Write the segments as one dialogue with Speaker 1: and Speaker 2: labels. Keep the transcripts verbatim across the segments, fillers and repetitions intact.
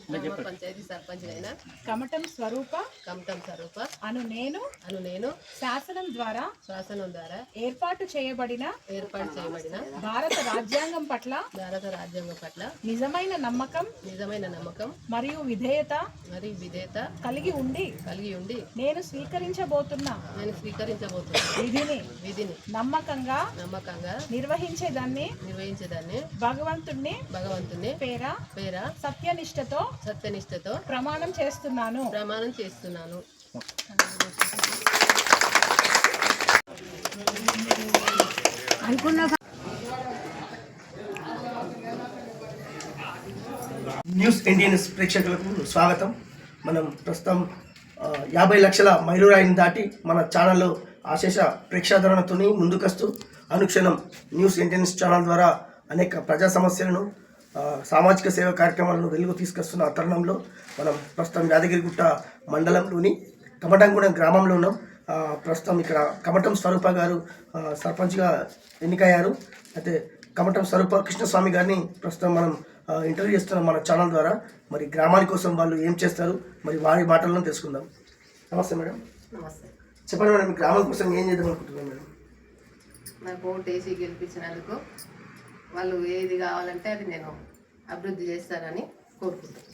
Speaker 1: గ్రామ పంచాయతీ సర్పంచ్ అయిన
Speaker 2: కమటం స్వరూప
Speaker 1: కమటం స్వరూప
Speaker 2: అను నేను
Speaker 1: అను నేను
Speaker 2: శాసనం ద్వారా
Speaker 1: శాసనం ద్వారా
Speaker 2: ఏర్పాటు చేయబడిన
Speaker 1: ఏర్పాటు చేయబడిన
Speaker 2: భారత రాజ్యాంగం పట్ల
Speaker 1: భారత రాజ్యాంగం పట్ల
Speaker 2: నిజమైన నమ్మకం
Speaker 1: నిజమైన నమ్మకం
Speaker 2: మరియు విధేయత
Speaker 1: మరియు విధేయత
Speaker 2: కలిగి ఉండి
Speaker 1: కలిగి ఉండి
Speaker 2: నేను స్వీకరించబోతున్న
Speaker 1: నేను స్వీకరించబోతున్న
Speaker 2: విధిని
Speaker 1: విధిని
Speaker 2: నమ్మకంగా
Speaker 1: నమ్మకంగా
Speaker 2: నిర్వహించేదాన్ని
Speaker 1: నిర్వహించేదాన్ని
Speaker 2: భగవంతుణ్ణి
Speaker 1: భగవంతుని
Speaker 2: పేర
Speaker 1: పేర
Speaker 2: సత్యనిష్టతో
Speaker 1: సత్యనిష్టతో
Speaker 2: ప్రమాణం చేస్తున్నాను
Speaker 1: ప్రమాణం చేస్తున్నాను.
Speaker 3: న్యూస్ ఇండియన్ ప్రేక్షకులకు స్వాగతం. మనం ప్రస్తుతం యాభై లక్షల మైలురాయిని దాటి మన ఛానల్లో ఆశేష ప్రేక్షాదరణతో ముందుకొస్తూ అనుక్షణం న్యూస్ ఇండియన్ ఛానల్ ద్వారా అనేక ప్రజా సమస్యలను సామాజిక సేవ కార్యక్రమాలను వెలుగు తీసుకొస్తున్న తరుణంలో మనం ప్రస్తుతం యాదగిరిగుట్ట మండలంలోని కమటంగూడెం గ్రామంలో ఉన్నాం. ప్రస్తుతం ఇక్కడ కమటం స్వరూప గారు సర్పంచ్గా ఎన్నికయ్యారు. అయితే కమటం స్వరూప కృష్ణస్వామి గారిని ప్రస్తుతం మనం ఇంటర్వ్యూ చేస్తున్నాం మన ఛానల్ ద్వారా. మరి గ్రామాని కోసం వాళ్ళు ఏం చేస్తారు, మరి వారి మాటలను తెలుసుకుందాం. నమస్తే మేడం.
Speaker 1: నమస్తే.
Speaker 3: చెప్పండి మేడం, మీ గ్రామం కోసం ఏం చేద్దాం అనుకుంటున్నాం మేడం?
Speaker 1: నాకు ఓటు వేసి గెలిపించినందుకు వాళ్ళు ఏది కావాలంటే అది నేను అభివృద్ధి చేస్తానని కోరుకుంటున్నాను.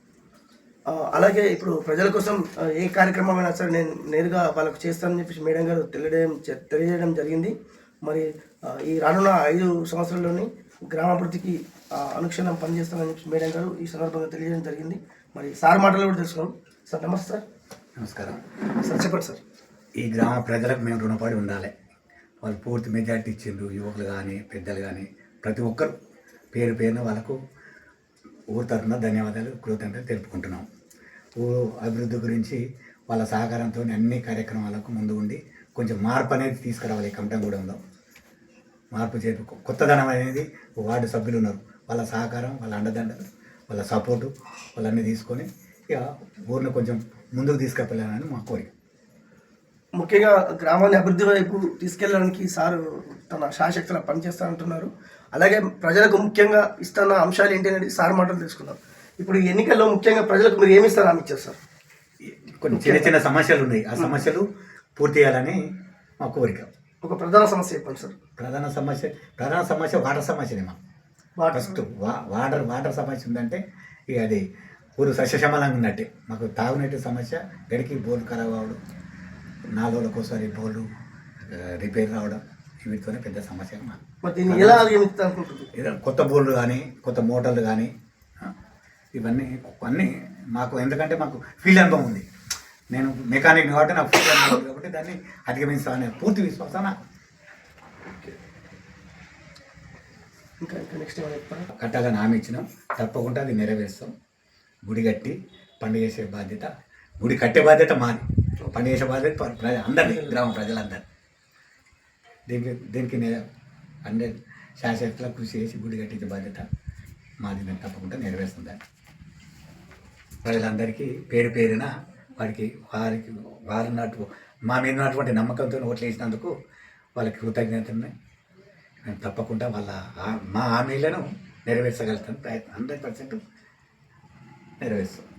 Speaker 3: అలాగే ఇప్పుడు ప్రజల కోసం ఏ కార్యక్రమం అయినా సరే నేను నేరుగా వాళ్ళకు చేస్తానని చెప్పేసి మేడం గారు తెలియడం తెలియజేయడం జరిగింది. మరి ఈ రానున్న ఐదు సంవత్సరాల్లోని గ్రామాభివృద్ధికి అనుక్షణం పనిచేస్తానని చెప్పి మేడం గారు ఈ సందర్భంగా తెలియజేయడం జరిగింది. మరి సార్ మాటలు కూడా తెలుసుకున్నాం. సార్ నమస్తే. సార్
Speaker 4: నమస్కారం.
Speaker 3: సార్ చెప్పండి సార్.
Speaker 4: ఈ గ్రామ ప్రజలకు మేము రుణపడి ఉండాలి. వాళ్ళు పూర్తి మెజార్టీ ఇచ్చిండ్రు, యువకులు కానీ పెద్దలు కానీ ప్రతి ఒక్కరు పేరు పేరున వాళ్ళకు ఊరు తరఫున ధన్యవాదాలు కృతజ్ఞతలు తెలుపుకుంటున్నాం. ఊరు అభివృద్ధి గురించి వాళ్ళ సహకారంతో అన్ని కార్యక్రమాలకు ముందు ఉండి కొంచెం మార్పు అనేది తీసుకురావాలి. కమటంగూడెంలో మార్పు చేపి కొత్తదనం అనేది వార్డు సభ్యులు ఉన్నారు, వాళ్ళ సహకారం, వాళ్ళ అండదండలు, వాళ్ళ సపోర్టు వాళ్ళన్నీ తీసుకొని ఇక ఊరిని కొంచెం ముందుకు తీసుకెళ్ళాలని మా కోరిక.
Speaker 3: ముఖ్యంగా గ్రామాన్ని అభివృద్ధి వైపు తీసుకెళ్ళడానికి సార్ తన శాశక్తులా పనిచేస్తానంటున్నారు. అలాగే ప్రజలకు ముఖ్యంగా ఇస్తున్న అంశాలు ఏంటి అనేది సార్ మాటలు తెలుసుకుందాం. ఇప్పుడు ఎన్నికల్లో ముఖ్యంగా ప్రజలకు మీరు ఏమి ఇస్తారు, ఆమె ఇచ్చారు సార్?
Speaker 4: కొన్ని చిన్న చిన్న సమస్యలు ఉన్నాయి, ఆ సమస్యలు పూర్తి చేయాలని మా కోరిక.
Speaker 3: ఒక ప్రధాన సమస్య చెప్పండి సార్.
Speaker 4: ప్రధాన సమస్య ప్రధాన సమస్య వాటర్ సమస్యనే. మా ఫస్ట్ వా వాటర్ వాటర్ సమస్య ఉందంటే ఇక అది ఊరు సస్యశమలంగా ఉన్నట్టే. మాకు తాగునీటి సమస్య, గడికి బోర్డు ఖరాబ్ అవ్వడం, నాలుగు రోజులకు ఒకసారి బోర్డు రిపేర్ రావడం, వీటితోనే పెద్ద సమస్య. ఏదో కొత్త బోర్డులు కానీ కొత్త మోటార్లు కానీ ఇవన్నీ అన్నీ మాకు, ఎందుకంటే మాకు ఫీల్డ్ అనుభవం ఉంది. నేను మెకానిక్ కాబట్టి నాకు ఫీల్డ్ అనుభవం ఉంది కాబట్టి దాన్ని అధిగమిస్తానని పూర్తి విశ్వాసాన కట్టాలని హామీ ఇచ్చినాం. తప్పకుండా అది నెరవేరుస్తాం. గుడి కట్టి పండుగ చేసే బాధ్యత, గుడి కట్టే బాధ్యత మాది, పండుగ చేసే బాధ్యత ప్రజ అందరినీ, గ్రామ ప్రజలందరినీ. దీనికి దీనికి అందరి శాశ్వతలో కృషి చేసి గుడి కట్టించే బాధ్యత మాది. మేము తప్పకుండా నెరవేరుస్తుందని ప్రజలందరికీ పేరు పేరున వారికి వారికి వారి నాటు మా మీద ఉన్నటువంటి నమ్మకంతో ఓట్లు వేసినందుకు వాళ్ళకి కృతజ్ఞతని మేము తప్పకుండా వాళ్ళ మా హామీలను నెరవేర్చగలుగుతాం. ప్రయత్నం హండ్రెడ్ పర్సెంట్ నెరవేరుస్తాం.